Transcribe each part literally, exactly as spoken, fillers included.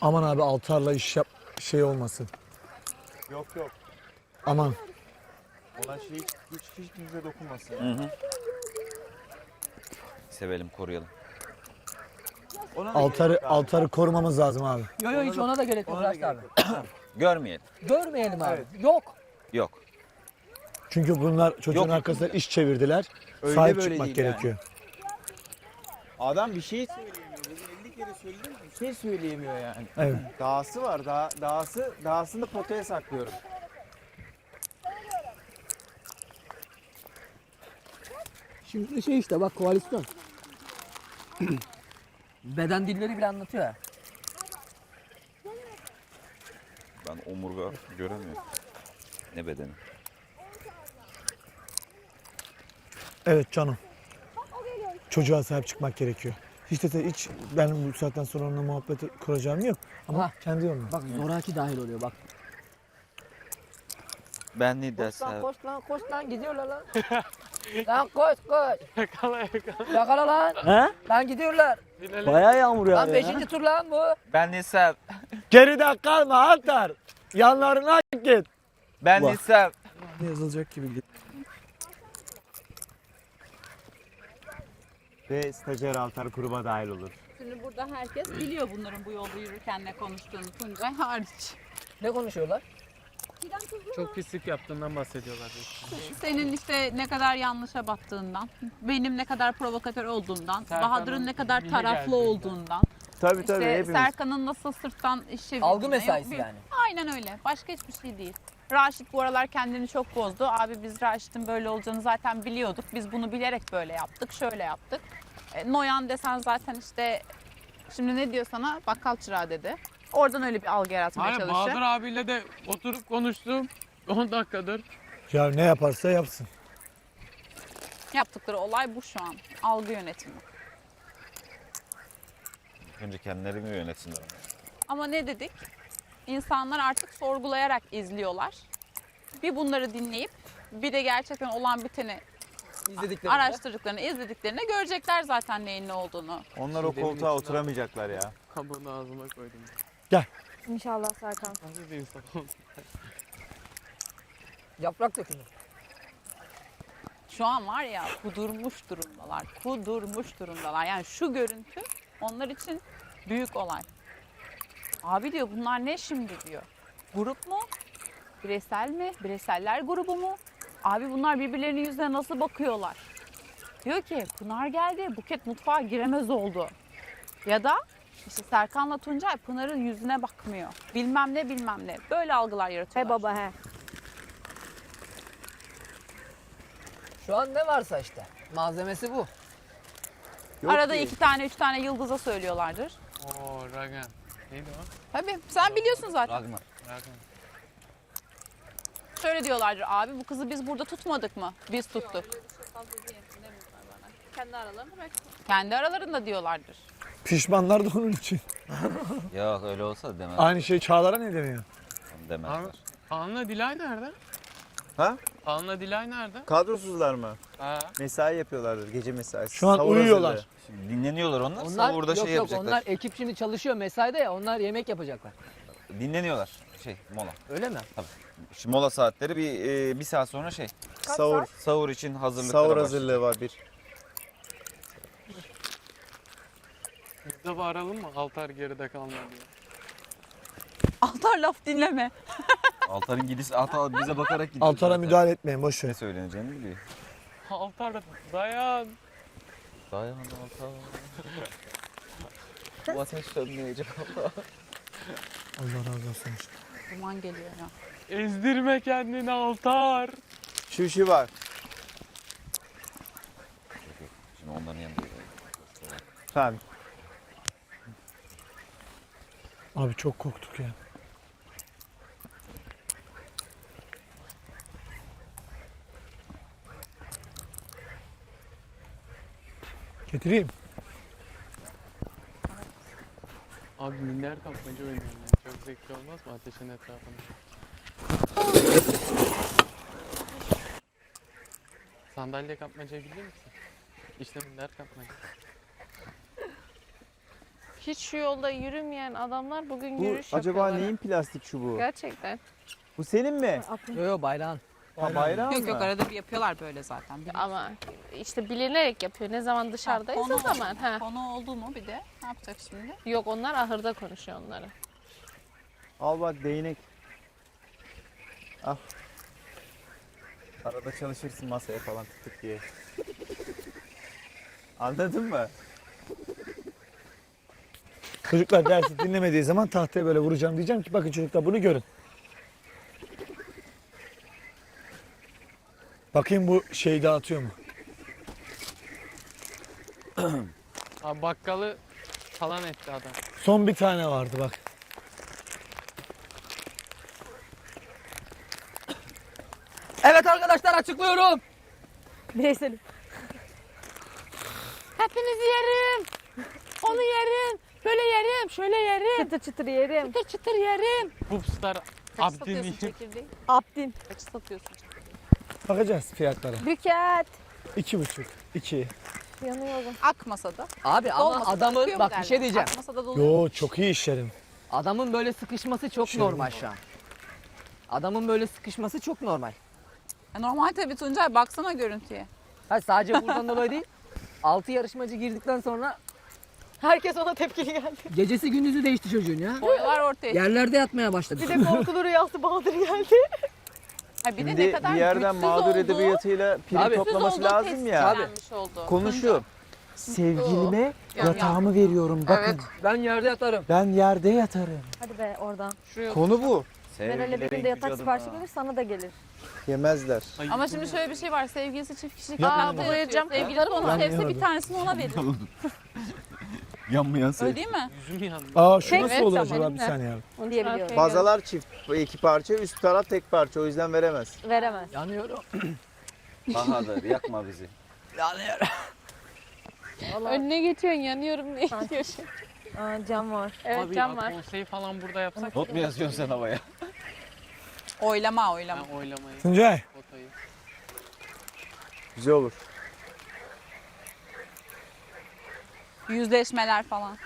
Aman abi altarla iş yap şey olmasın. Yok yok. Aman. Ona şey hiç, hiç, hiç kimse dokunmasın. Hı hı. Sevelim, koruyalım. Ona da Altarı gerek yok abi. altarı korumamız lazım abi. Yok yok hiç ona da gerek yok Ona da Raşit abi. gerek yok. Görmeyelim. Görmeyelim abi. Evet. Yok. Yok. Çünkü bunlar çocuğun Yok. arkasına iş çevirdiler. Öyle Sahip böyle çıkmak değil gerekiyor. Adam bir şey söyleyemiyor. Bugün elli kere söyledim bir şey söyleyemiyor yani. Evet. Dağısı var. Dağ, dağısı, dağısını potaya saklıyorum. Şimdi şey işte bak koalisyon. Beden dilleri bile anlatıyor ya. Ben omurga göremiyorum. Ne bedeni? Evet canım. Çocuğa sahip çıkmak gerekiyor. Hiç de hiç benim bu saatten sonra onunla muhabbet kuracağım yok. Ama Ha. kendi yoluna. Bak zoraki dahil oluyor bak. Ben ne Koş lan dersem. koş lan koş lan gidiyorlar lan. Lan koş koş. Yakala yakala. Yakala lan. He? Lan gidiyorlar. Bayağı yağmur Lan beşinci tur lan bu. Ben Nisem. Geride kalma Altar. Yanlarına git. Ben Bak. Nisem. Yazılacak gibi değil. Ve stajyer altar gruba dahil olur. Şimdi burada herkes biliyor bunların bu yolda yürürken ne konuştuğunu, Tuncay hariç. Ne konuşuyorlar? Çok pislik yaptığından bahsediyorlar. Senin işte ne kadar yanlışa battığından, benim ne kadar provokatör olduğumdan, Serkan'ın Bahadır'ın ne kadar bile taraflı geldiğinden. olduğundan, Tabii tabii işte hepimiz. Serkan'ın nasıl sırttan iş çevirdiğinden. Algı mesaisi Yok, yani. Aynen öyle. Başka hiçbir şey değil. Raşit bu aralar kendini çok bozdu. Abi biz Raşit'in böyle olacağını zaten biliyorduk. Biz bunu bilerek böyle yaptık, şöyle yaptık. E, Noyan desen zaten işte şimdi ne diyor sana? Bakkal çırağı dedi. Oradan öyle bir algı yaratmaya Hayır çalışıyor. Bahadır abiyle de oturup konuştum. on dakikadır. Ya ne yaparsa yapsın. Yaptıkları olay bu şu an. Algı yönetimi. Önce kendilerini yönetsinler. Ama ne dedik? İnsanlar artık sorgulayarak izliyorlar. Bir bunları dinleyip bir de gerçekten olan biteni İzlediklerinde. araştırdıklarını, izlediklerini görecekler zaten neyin ne olduğunu. Onlar o koltuğa oturamayacaklar ya. Kabuğunu ağzıma koydum. İnşallah Serkan. Nasıl bir insan oldum? Yaprak dökümü. Şu an var ya kudurmuş durumdalar. Kudurmuş durumdalar. Yani şu görüntü onlar için büyük olay. Abi diyor bunlar ne şimdi diyor. Grup mu? Bireysel mi? Bireyseller grubu mu? Abi bunlar birbirlerinin yüzüne nasıl bakıyorlar? Diyor ki Pınar geldi, Buket mutfağa giremez oldu. Ya da işte Serkan'la Tuncay Pınar'ın yüzüne bakmıyor. Bilmem ne bilmem ne. Böyle algılar He yaratıyorlar. baba he. Şu an ne varsa işte. Malzemesi bu. Yok Arada ki. iki tane üç tane yıldıza söylüyorlardır. Oo Ragan. Neydi o? Tabii sen biliyorsun zaten. Ragnar. Ragan. Şöyle diyorlardır abi bu kızı biz burada tutmadık mı? Biz tuttuk. Kendi aralarında belki. Kendi aralarında diyorlardır. Pişmanlar da onun için. Yok öyle olsa da demez. Aynı şey Çağlar'a ne demiyor? Demezler. Kaan'la Dilay nerede? Ha? Kaan'la Dilay nerede? Kadrosuzlar mı? Ha. Mesai yapıyorlardır. Gece mesaisi. Şu an Savur uyuyorlar. hazırlığı. Şimdi dinleniyorlar onlar. Onlar Savurda yok şey yok yapacaklar. onlar ekip şimdi çalışıyor mesaide ya onlar yemek yapacaklar. Dinleniyorlar. Şey mola. Öyle mi? Şimdi mola saatleri bir e, bir saat sonra şey. Savur. Sahur için hazırlıklara Savur başlayacak. hazırlığı var bir. Biz de bağıralım mı? Altar geride kalma diye. Altar laf dinleme. Altar'ın gidişi Altar bize bakarak gidiyor. Altar'a zaten. müdahale etmeyin boş ver. Ne söyleneceğini biliyor. Altar dayan. Dayan Altar. Bu ateş sönmeyecek Allah. Allah razı olsun. Duman geliyor ya. Ezdirme kendini Altar. Şu işi var. Şimdi onların yanında. Tamam. Abi çok korktuk ya. Getireyim. Abi minder kapmaca oynuyorum. ya. Çok zevkli olmaz mı ateşin etrafında? Sandalye kapmaca biliyor musun? İşte minder kapmaca. hiç şu yolda yürümeyen adamlar bugün Bu yürüyüş acaba yapıyorlar. neyin plastik çubuğu? Gerçekten. Bu senin mi? Aklım. Yo yo bayrağın. Ha, bayrağı Yok mı? yok arada bir yapıyorlar böyle zaten. Bir Ama işte bilinerek yapıyor. Ne zaman dışarıdayız o konu, zaman. Ha. konu oldu mu bir de ne yapacak şimdi? Yok onlar ahırda konuşuyor onları. Al bak değnek. Al. Arada çalışırsın masaya falan tık tık diye. Anladın mı? Çocuklar dersi dinlemediği zaman tahtaya böyle vuracağım, diyeceğim ki bakın çocuklar bunu görün. Bakayım bu şeyi dağıtıyor mu? Abi bakkalı falan etti adam. Son bir tane vardı bak. Evet arkadaşlar açıklıyorum. Bireyselim. Hepinizi yerim. Onu yerim. Böyle yerim. Şöyle yerim. Çıtır çıtır yerim. Çıtır çıtır yerim. Popstar Kaç satıyorsun Abdini. çekirdeği? Abdin. Kaç satıyorsun? Bakacağız fiyatlara. Büket. İki buçuk, iki. Yanıyorum. Akmasada. Abi ama Dolmasada adamın akıyor mu bak bir derler? şey diyeceğim. Akmasada doluyor. Yo çok iyi işlerim. Adamın böyle sıkışması çok Şey normal şu an. Adamın böyle sıkışması çok normal. Ya normal tabii Tuncay baksana görüntüye. Ha, sadece buradan dolayı değil. Altı yarışmacı girdikten sonra Herkes ona tepkili geldi. gecesi gündüzü değişti çocuğun ya. Boyalar ortaya. Yerlerde yatmaya başladı. Bir de korkulu rüyası Bahadır geldi. Ha, bir de Şimdi ne kadar bir yerden güçsüz mağdur olduğu, edebiyatıyla prim Tabii. toplaması güçsüz olduğu lazım ya. tescillenmiş oldu. Konu şu. Sevgilime Yani yatağımı veriyorum bakın. Evet. Ben yerde yatarım. Ben yerde yatarım. Hadi be oradan. Şuraya Konu bu. Meral'e bir günde yatak siparişi gelir sana da gelir. Yemezler. Ama şimdi şöyle bir şey var. Sevgilisi çift kişilik Yapma yatakta ya. yatıyor. Sevgilisi onu Ben sevse bir yemedim. tanesini ona verir. Yanmayan Öyle değil mi? Yüzüm yandı. Aa şu Peki, nasıl olur tamam. acaba bir saniye abi. Onu diyebiliyorum. Okey. Bazalar çift iki parça, üst taraf tek parça. O yüzden veremez. Veremez. Yanıyorum. Bahadır yakma bizi. Yanıyorum. Vallahi. Önüne geçiyorsun yanıyorum ne Ha. diyorsun? Aa, cam var. Evet Abi cam var. konseyi falan burada yapsak. Not mu yazıyorsun sen havaya? Oylama oylama. Ben oylamayı. Tuncay. Potayı. Güzel olur. Yüzleşmeler falan.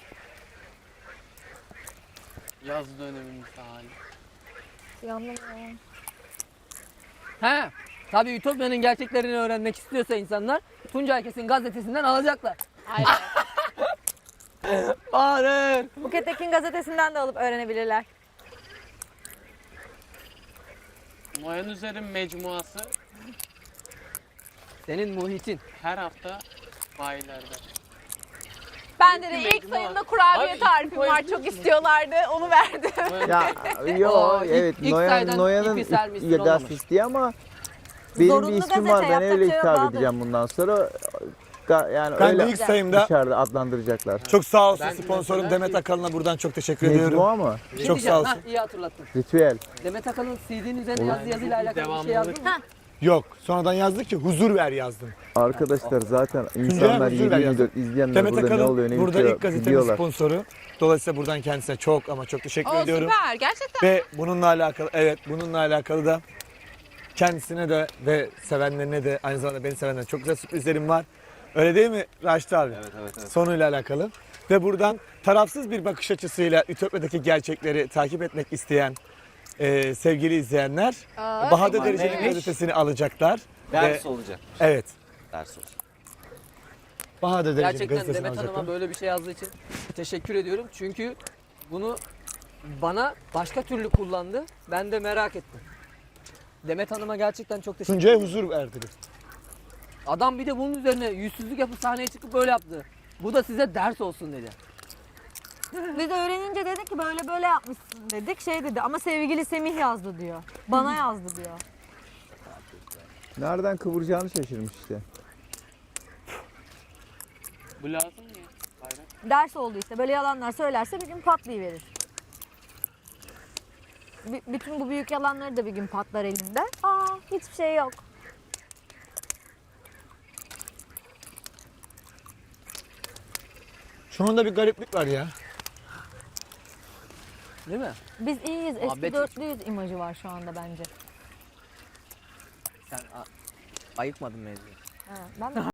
Yaz dönemimiz hali. Yandım ya. He. Tabii Ütopya'nın gerçeklerini öğrenmek istiyorsa insanlar Tuncay Kesin gazetesinden alacaklar. Hayır. Bahadır. Buket Ekin gazetesinden de alıp öğrenebilirler. Noyan Üzer'in mecmuası Senin muhitin. her hafta bayilerde. Ben de, de ilk sayımda kurabiye Abi, tarifim var. koyabiliyor Çok musun? istiyorlardı. Onu verdim. Ya yo Oo, ilk- evet ilk Noyan, sayıdan Noyan'ın ipi sermişsin, ilk- olmamış. gazetesi ama benim Zorunlu bir ismim gazete, var. Ben öyle yapacak hitap şey yok, edeceğim bundan sonra. Ga- Yani Ben öyle de ilk sayımda dışarıda adlandıracaklar. çok sağ olsun Ben sponsorum mesela- Demet Akalın'a buradan çok teşekkür ediyorum. Mecmua mı? Ne Çok diyeceğim? sağ Ha, olsun. iyi hatırlattın. Ritüel. Demet Akalın C D'nin üzerine Olur. yazdığı yazıyla alakalı bir şey yazdın mı? Yok sonradan yazdık ki huzur ver yazdım. Arkadaşlar zaten insanlar huzur ver yedi yazın. yirmi dört izleyenler Demet burada ne Akalın oluyor ne burada bitiyor ilk gazetenin biliyorlar. sponsoru. Dolayısıyla buradan kendisine çok ama çok teşekkür O ediyorum. süper. Gerçekten. Ve bununla alakalı evet bununla alakalı da kendisine de ve sevenlerine de aynı zamanda beni sevenlerine çok güzel sürprizlerim var. Öyle değil mi Raşit abi? Evet evet evet. Sonuyla alakalı. Ve buradan tarafsız bir bakış açısıyla Ütopya'daki gerçekleri takip etmek isteyen e, sevgili izleyenler Aa, Bahadır aman Derece'nin neymiş? gazetesini alacaklar. Ders Ve- olacak. Evet. Ders olacak. Bahadır Derece'nin Gerçekten gazetesini Demet alacaklar. Hanım'a böyle bir şey yazdığı için teşekkür ediyorum. Çünkü bunu bana başka türlü kullandı. Ben de merak ettim. Demet Hanım'a gerçekten çok teşekkür Tuncay'a ederim. huzur verdi. Adam bir de bunun üzerine yüzsüzlük yapıp sahneye çıkıp böyle yaptı. Bu da size ders olsun dedi. Biz öğrenince dedik ki böyle böyle yapmışsın dedik. Şey dedi ama sevgili Semih yazdı diyor. Bana yazdı diyor. Nereden kıvıracağını şaşırmış işte. Bu lazım mı ya? Bayrak. Ders oldu işte. Böyle yalanlar söylerse bir gün patlayıverir. B- bütün bu büyük yalanları da bir gün patlar elinde. Aa hiçbir şey yok. Şu anda bir gariplik var ya. Değil mi? Biz iyiyiz. Eski Muhabbet- dörtlüyüz imajı var şu anda bence. Sen a- ayıkmadın mevzuyu. Ha, ben de